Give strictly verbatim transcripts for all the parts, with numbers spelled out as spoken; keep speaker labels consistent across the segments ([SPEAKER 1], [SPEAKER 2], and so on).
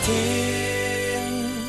[SPEAKER 1] ทิน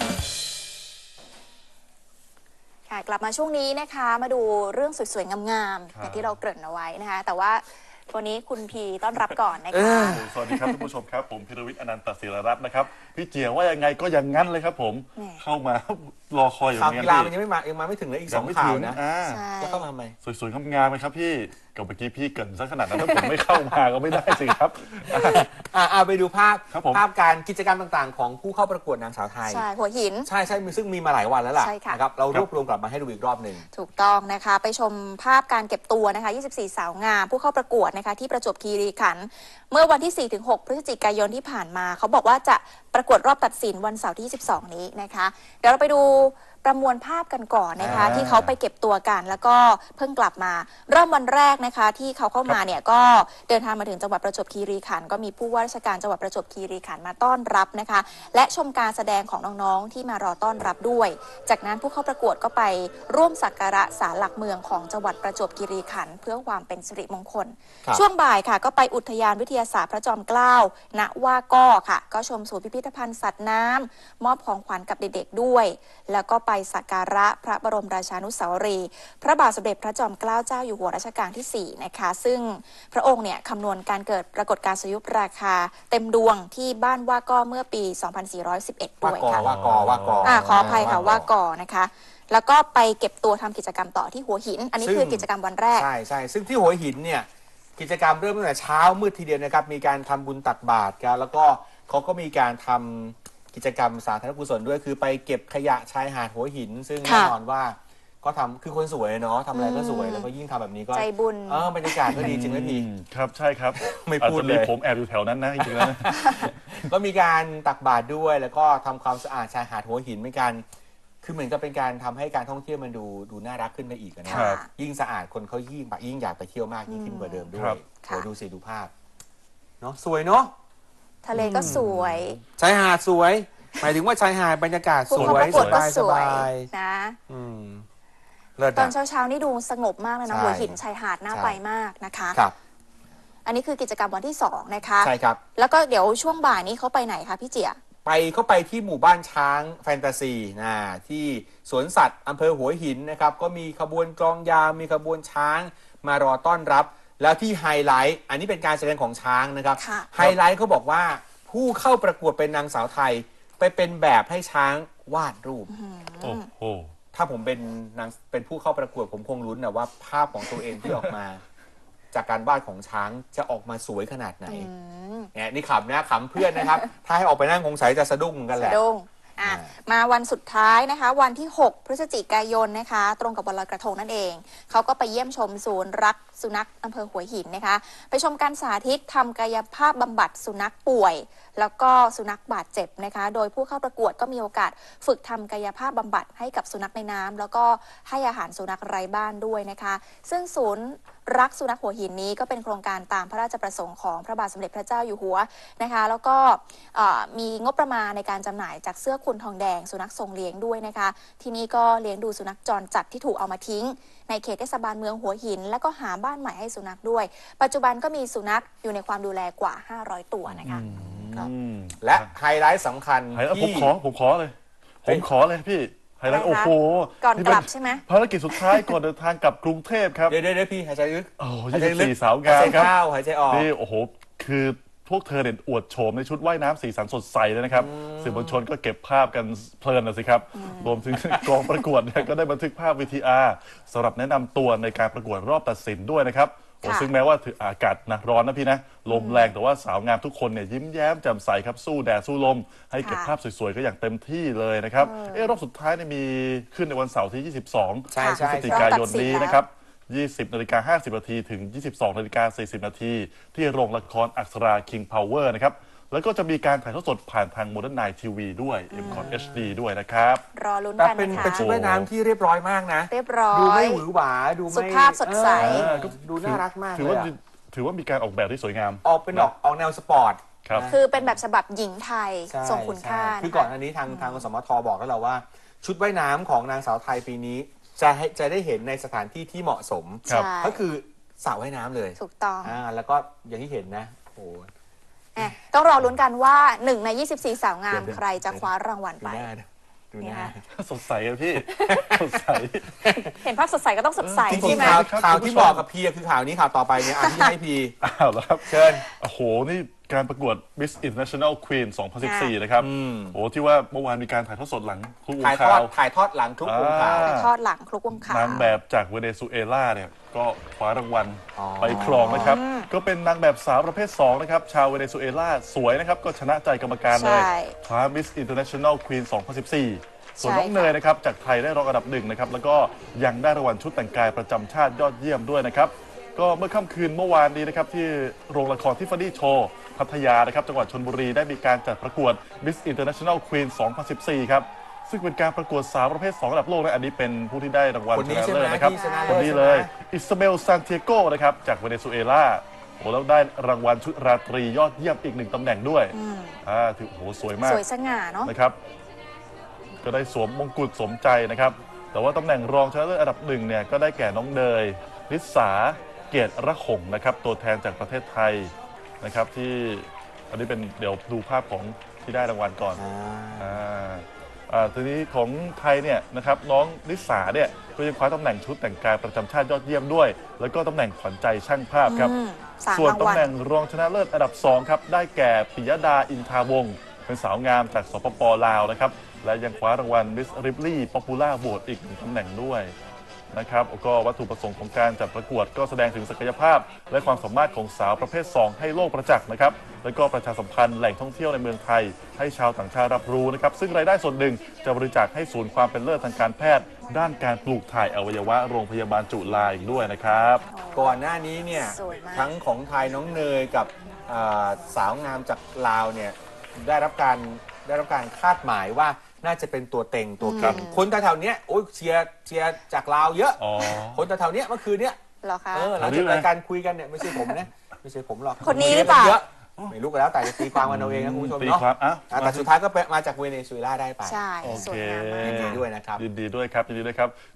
[SPEAKER 2] ค่ะกลับมาช่วงนี้นะคะมาดูเรื่องสวยๆงามๆอย่างที่เราเกริ่นเอาไว้นะคะแต่ว่าวันนี้คุณพีต้อนรับก่อนนะคะ
[SPEAKER 3] สวัสดีครับท่านผู้ชมครับผมพิรวิทย์อนันตศิรรัตน์นะครับพี่เจียว่ายังไงก็ยังงั้นเลยครับผมเข้ามารอคอยอยู่อย่างนี้
[SPEAKER 1] ข่าวกีฬามันยังไม่มายังมาไม่ถึงเลยอีกสองข่าวนะจะเข้ามาไหม
[SPEAKER 3] สวยๆงามๆไหมครับพี่กับเมื่อกี้พี่เกินซะขนาดนั้นถ้าผมไม่เข้ามาก็ไม่ได้สิครับ
[SPEAKER 1] อ่าไปดูภาพภาพการกิจกรรมต่างๆของผู้เข้าประกวดนางสาวไทย
[SPEAKER 2] ใช่หัวหิน
[SPEAKER 1] ใช่ใช่ซึ่งมีมาหลายวันแล้วล่ะนะครับเรารวบรวมกลับมาให้ดูอีกรอบหนึ่ง
[SPEAKER 2] ถูกต้องนะคะไปชมภาพการเก็บตัวนะคะยี่สิบสี่สาวงามผู้เข้าประกวดนะคะที่ประจวบคีรีขันธ์เมื่อวันที่ สี่ถึงหก พฤศจิกายนที่ผ่านมาเขาบอกว่าจะประกวดรอบตัดสินวันเสาร์ที่ยี่สิบสองนี้นะคะเดี๋ยวเราไปดูประมวลภาพกันก่อนนะคะที่เขาไปเก็บตัวกันแล้วก็เพิ่งกลับมาเริ่มวันแรกนะคะที่เขาเข้ามาเนี่ยก็เดินทางมาถึงจังหวัดประจวบคีรีขันธ์ก็มีผู้ว่าราชการจังหวัดประจวบคีรีขันธ์มาต้อนรับนะคะและชมการแสดงของน้องๆที่มารอต้อนรับด้วยจากนั้นผู้เข้าประกวดก็ไปร่วมสักการะศาลหลักเมืองของจังหวัดประจวบคีรีขันธ์เพื่อความเป็นสิริมงคลช่วงบ่ายค่ะก็ไปอุทยานวิทยาศาสตร์พระจอมเกล้าณว่าก้อค่ะก็ชมศูนย์พิพิธภัณฑ์สัตว์น้ำมอบของขวัญกับเด็กๆด้วยแล้วก็ไปสักการะพระบรมราชานุสาวรีย์พระบาทสมเด็จพระจอมเกล้าเจ้าอยู่หัวรัชกาลที่สี่นะคะซึ่งพระองค์เนี่ยคำนวณการเกิดปรากฏการณ์สุริยุปราคาเต็มดวงที่บ้านว่าก้อเมื่อปี สองพันสี่ร้อยสิบเอ็ด ด้วยค่ะ
[SPEAKER 1] ว่ากอว่ากอ
[SPEAKER 2] อ่าขออภัยค่ะว่ากอนะคะแล้วก็ไปเก็บตัวทำกิจกรรมต่อที่หัวหินอันนี้คือกิจกรรมวันแรก
[SPEAKER 1] ใช่ใช่ซึ่งที่หัวหินเนี่ยกิจกรรมเริ่มตั้งแต่เช้ามืดทีเดียวนะครับมีการทำบุญตักบาตรกันแล้วก็เขาก็มีการทำกิจกรรมสาธารณกุศลด้วยคือไปเก็บขยะชายหาดหัวหินซึ่งแน่นอนว่าก็ทำคือคนสวยเนาะทำอะไรก็สวยแล้วก็ยิ่งทำแบบนี้ก็
[SPEAKER 2] ใจบุญ
[SPEAKER 1] เออบรรยากาศก็ดีจริงไหมพี่
[SPEAKER 3] ครับใช่ครับ
[SPEAKER 1] ไม่พูดเลย
[SPEAKER 3] ผมแอบอยู่แถวนั้นนะจริงๆแล้ว
[SPEAKER 1] ก็มีการตักบาตรด้วยแล้วก็ทำความสะอาดชายหาดหัวหินเหมือนกันคือเหมือนกับเป็นการทำให้การท่องเที่ยวมันดูดูน่ารักขึ้นไปอีกนะยิ่งสะอาดคนเขายิ่งยิ่งอยากไปเที่ยวมากยิ่งขึ้นกว่าเดิมด้วยโอ้ดูสิดูภาพเนาะสวยเนาะ
[SPEAKER 2] ทะเลก็สวย
[SPEAKER 1] ชายหาดสวยหมายถึงว่าชายหาดบรรยากาศสวย
[SPEAKER 2] สบายสบายนะตอนเช้าๆนี่ดูสงบมากเลยนะหัวหินชายหาดน่าไปมากนะคะ
[SPEAKER 1] ครับ
[SPEAKER 2] อันนี้คือกิจกรรมวันที่สองนะคะ
[SPEAKER 1] ใช่ครับ
[SPEAKER 2] แล้วก็เดี๋ยวช่วงบ่ายนี้เขาไปไหนคะพี่เจีย
[SPEAKER 1] ไปเข้าไปที่หมู่บ้านช้างแฟนตาซีนะที่สวนสัตว์อำเภอหัวหินนะครับก็มีขบวนกลองยาวมีขบวนช้างมารอต้อนรับแล้วที่ไฮไลท์อันนี้เป็นการแสดงของช้างนะครับไฮไลท์เขาบอกว่าผู้เข้าประกวดเป็นนางสาวไทยไปเป็นแบบให้ช้างวาดรูป
[SPEAKER 3] โอ้โห
[SPEAKER 1] ถ้าผมเป็นนางเป็นผู้เข้าประกวดผมคงลุ้นนะว่าภาพของตัวเองที่ออกมาจากการวาดของช้างจะออกมาสวยขนาดไหนเนี่ยนี่ขำนะขำเพื่อนนะครับถ้าให้ออกไปนั่งคงใส่จะสะดุ้งกันแหละ
[SPEAKER 2] สะดุ้งอ่ะมาวันสุดท้ายนะคะวันที่หกพฤศจิกายนนะคะตรงกับวันลอยกระทงนั่นเองเขาก็ไปเยี่ยมชมศูนย์รักสุนัขอำเภอหัวหินนะคะไปชมการสาธิตทำกายภาพบำบัดสุนัขป่วยแล้วก็สุนัขบาดเจ็บนะคะโดยผู้เข้าประกวดก็มีโอกาสฝึกทำกายภาพบำบัดให้กับสุนัขในน้ำแล้วก็ให้อาหารสุนัขไร้บ้านด้วยนะคะซึ่งศูนย์รักสุนัขหัวหินนี้ก็เป็นโครงการตามพระราชประสงค์ของพระบาทสมเด็จพระเจ้าอยู่หัวนะคะแล้วก็มีงบประมาณในการจำหน่ายจากเสื้อคุณทองแดงสุนัขทรงเลี้ยงด้วยนะคะที่นี่ก็เลี้ยงดูสุนัขจรจัดที่ถูกเอามาทิ้งในเขตเทศบาลเมืองหัวหินแล้วก็หาบ้านใหม่ให้สุนัขด้วยปัจจุบันก็มีสุนัขอยู่ในความดูแลกว่าห้าร้อยตัวนะคะ
[SPEAKER 1] และไฮไลท์สำคัญ
[SPEAKER 3] ผมขอผมขอเลยผมขอเลยพี่ไฮไลท์โอ้โห
[SPEAKER 2] ก่อนกลับใช่ไหม
[SPEAKER 3] ภารกิจสุดท้ายก่อนเดินทางกลับกรุงเทพครับ
[SPEAKER 1] เดี๋ยวเดี๋ยวพี่หายใจลึก
[SPEAKER 3] โอ้ยยี่สิบสี่สาวงามครับ
[SPEAKER 1] หายใจออก
[SPEAKER 3] นี่โอ้โหคือพวกเธอเนี่ยอวดโฉมในชุดว่ายน้ำสีสันสดใสเลยนะครับสื่อมวลชนก็เก็บภาพกันเพลินนะสิครับรวมถึงกองประกวดเนี่ยก็ได้บันทึกภาพ วี ที อาร์ สำหรับแนะนำตัวในการประกวดรอบตัดสินด้วยนะครับซึ่งแม้ว่าอากาศนะร้อนนะพี่นะลมแรงแต่ว่าสาวงามทุกคนเนี่ยยิ้มแย้มแจ่มใสครับสู้แดดสู้ลมให้เก็บภาพสวยๆก็อย่างเต็มที่เลยนะครับเออรอบสุดท้ายเนี่ยมีขึ้นในวันเสาร์ที่ยี่สิบสองพฤศจิกายนนี้นะครับยี่สิบนาฬิกาห้าสิบนาทีถึงยี่สิบสองนาฬิกาสี่สิบนาทีที่โรงละครอักษรา King Power นะครับแล้วก็จะมีการถ่ายทอดสดผ่านทาง Modern Night ที วี ด้วย เอ็ม คอท เอช ดี ด้วยนะครับ
[SPEAKER 2] รอลุ้นกันนะคะ
[SPEAKER 1] เป็นเป็นชุดว่ายน้ำที่เรียบร้อยมากนะ
[SPEAKER 2] เรียบร้อย
[SPEAKER 1] ดูไม่หวือหวาดูไม่
[SPEAKER 2] สุภาพสดใส
[SPEAKER 1] ดูน่ารักมาก
[SPEAKER 3] ถือว่าถือว่ามีการออกแบบที่สวยงาม
[SPEAKER 1] ออกเป็นออกออกแนวสปอร์ต
[SPEAKER 2] คือเป็นแบบฉบับหญิงไทยทรงคุณค่า
[SPEAKER 1] คือก่อนอันนี้ทางทางกสมทบอกแล้วเราว่าชุดว่ายน้ำของนางสาวไทยปีนี้จะให้จะได้เห็นในสถานที่ที่เหมาะสมก็คือสระว่ายน้ำเลย
[SPEAKER 2] ถูกต้อง
[SPEAKER 1] อ่าแล้วก็อย่างที่เห็นนะโอ้
[SPEAKER 2] ตต้องรอลุ้นกันว่าหนึ่งในยี่สิบสี่สาวงาม
[SPEAKER 1] เดี๋ยว
[SPEAKER 2] ใครจะคว้ารางวัล
[SPEAKER 1] ดู
[SPEAKER 2] ไป
[SPEAKER 1] หน้านะดูหน้า
[SPEAKER 2] เนี่ย
[SPEAKER 3] สดใสอะพี่ สดใส
[SPEAKER 2] เห็นภาพสดใสก็ต้องสดใส
[SPEAKER 1] จริ
[SPEAKER 2] ใช่
[SPEAKER 1] ง
[SPEAKER 2] ไหม
[SPEAKER 1] ๆข่าว
[SPEAKER 3] ครับ
[SPEAKER 1] ข่าว
[SPEAKER 3] คุณผู้
[SPEAKER 1] ที่
[SPEAKER 3] ชม
[SPEAKER 1] บอกกับพีคือข่าวนี้ข่าวต่อไปเนี่ยอ่านที่ให้พี
[SPEAKER 3] อ้าวแล้วครับ
[SPEAKER 1] เชิญ
[SPEAKER 3] โอ้โห นี่การประกวด Miss International Queen สองพันสิบสี่ นะครับ
[SPEAKER 1] อืม
[SPEAKER 3] โอ้ที่ว่าเมื่อวานมีการถ่ายทอดสดหลังคลุกวง
[SPEAKER 1] ถ่ายทอ
[SPEAKER 3] ข่า
[SPEAKER 1] ด
[SPEAKER 3] ว
[SPEAKER 1] ถ่ายทอดหลังทุกวงข่าว
[SPEAKER 3] อ่า
[SPEAKER 2] ทอดหลังคลุกวงขาว
[SPEAKER 3] นางแบบจากเวเนซุเอลาเนี่ยก็คว้ารางวัล
[SPEAKER 1] อ๋อ
[SPEAKER 3] ไปครองนะครับ ก็เป็นนางแบบสาวประเภท สอง นะครับ ชาวเวเนซุเอลาสวยนะครับ ก็ชนะใจกรรมการเลย
[SPEAKER 2] ใช่
[SPEAKER 3] คว้า Miss International Queen สองพันสิบสี่ ส่วนน้อง
[SPEAKER 2] ใช่ค่ะ
[SPEAKER 3] เนยนะครับ จากไทยได้รองอันดับหนึ่งนะครับ แล้วก็ยังได้รางวัลชุดแต่งกายประจำชาติยอดเยี่ยมด้วยนะครับ ก็เมื่อค่ำคืนเมื่อวานนี้นะครับที่โรงละครทิฟฟานี่โชว์พัทยานะครับจังหวัดชลบุรีได้มีการจัดประกวด Miss International Queen สองพันสิบสี่ ครับ ซึ่งเป็นการประกวดสาวประเภท สอง ระดับโลกนะอันนี้เป็นผู้ที่ได้รางวัล
[SPEAKER 1] คน
[SPEAKER 3] ช
[SPEAKER 1] นี้
[SPEAKER 3] นะ
[SPEAKER 1] ใช่ไหม
[SPEAKER 3] เลิศนะครับ
[SPEAKER 1] ที่ชนะ
[SPEAKER 3] ค
[SPEAKER 1] เลิ
[SPEAKER 3] น
[SPEAKER 1] ศ
[SPEAKER 3] นี้
[SPEAKER 1] ใช่ไหม
[SPEAKER 3] เลยอิซาเบลซานเทียโกนะครับจากเวเนซุเอลาโอ้แล้วได้รางวัลชุดราตรียอดเยี่ยมอีกหนึ่งตำแหน่งด้วยอ่าถือโอ้โหสวยมาก
[SPEAKER 2] สวยสง่าเนาะ
[SPEAKER 3] นะครับก็ได้สวมมงกุฎสมใจนะครับ แต่ว่าตำแหน่งรองชนะเลิศอันดับหนึ่งเนี่ยก็ได้แก่น้องเนยนิสาเกียรติระหงนะครับตัวแทนจากประเทศไทยนะครับที่อันนี้เป็นเดี๋ยวดูภาพของที่ได้รางวัลก่อน
[SPEAKER 1] อ่า
[SPEAKER 3] อ่าอ่าทีนี้ของไทยเนี่ยนะครับน้องนิสาเนี่ยก็ยังคว้าตำแหน่งชุดแต่งกายประจำชาติยอดเยี่ยมด้วย แล้วก็ตำแหน่งขวัญใจช่างภาพครับ
[SPEAKER 2] อืมสาม
[SPEAKER 3] ส่วน
[SPEAKER 2] ราง
[SPEAKER 3] ตำ
[SPEAKER 2] วัล
[SPEAKER 3] แหน่งรองชนะเลิศอันดับสองครับได้แก่ปิยดาอินทาวงศ์เป็นสาวงามจากสปปลาวนะครับและยังคว้ารางวัล Miss Ripley Popular Award อีกหนึ่งตำแหน่งด้วยนะครับก็วัตถุประสงค์ของการจัดประกวดก็แสดงถึงศักยภาพ และความสามารถของสาวประเภท สอง ให้โลกประจักษ์นะครับและก็ประชาสัมพันธ์แหล่งท่องเที่ยวในเมืองไทย ให้ชาวต่างชาติรับรู้นะครับซึ่งรายได้ส่วนหนึ่งจะบริจาคให้ศูนย์ความเป็นเลิศทางการแพทย์ ด้านการปลูกถ่ายอวัยวะโรงพยาบาลจุฬาอีกด้วยนะครับ
[SPEAKER 1] ก่อนหน้านี้เนี่ย
[SPEAKER 2] สวยมาก
[SPEAKER 1] ทั้งของไทยน้องเนยกับอ่าสาวงามจากลาวเนี่ยได้รับการได้รับการคาดหมายว่าน่าจะเป็นตัวเต็งตัวเก่งคนแถวๆเนี้ยโอ้ยเชียร์เชียร์จากลาวเยอะ
[SPEAKER 3] อ๋อ
[SPEAKER 1] คนแถวๆเนี้ยเมื่อคืนเนี้ย
[SPEAKER 2] เหรอคะ
[SPEAKER 1] เออหลังจากรายการคุยกันเนี่ยไม่ใช่ผมนะไม่ใช่ผมหรอก
[SPEAKER 2] คนนี้หรือเปล่า
[SPEAKER 1] เยอะไม่รู้กันแล้วแต่จะตีความกันเอาเองนะคุณผู้ชม
[SPEAKER 3] ตี
[SPEAKER 1] เนาะ
[SPEAKER 3] ความอ่ะ
[SPEAKER 1] อ่ะแต่สุดท้ายก็ไปมาจากเวเนซุเอลาได้ไป
[SPEAKER 2] ใช่
[SPEAKER 3] โอ
[SPEAKER 2] สว
[SPEAKER 3] เค
[SPEAKER 2] ยงามมาก
[SPEAKER 1] ยินดีด้วยนะครับ
[SPEAKER 3] ยินดีด้วยครับยินดีด้วยครับ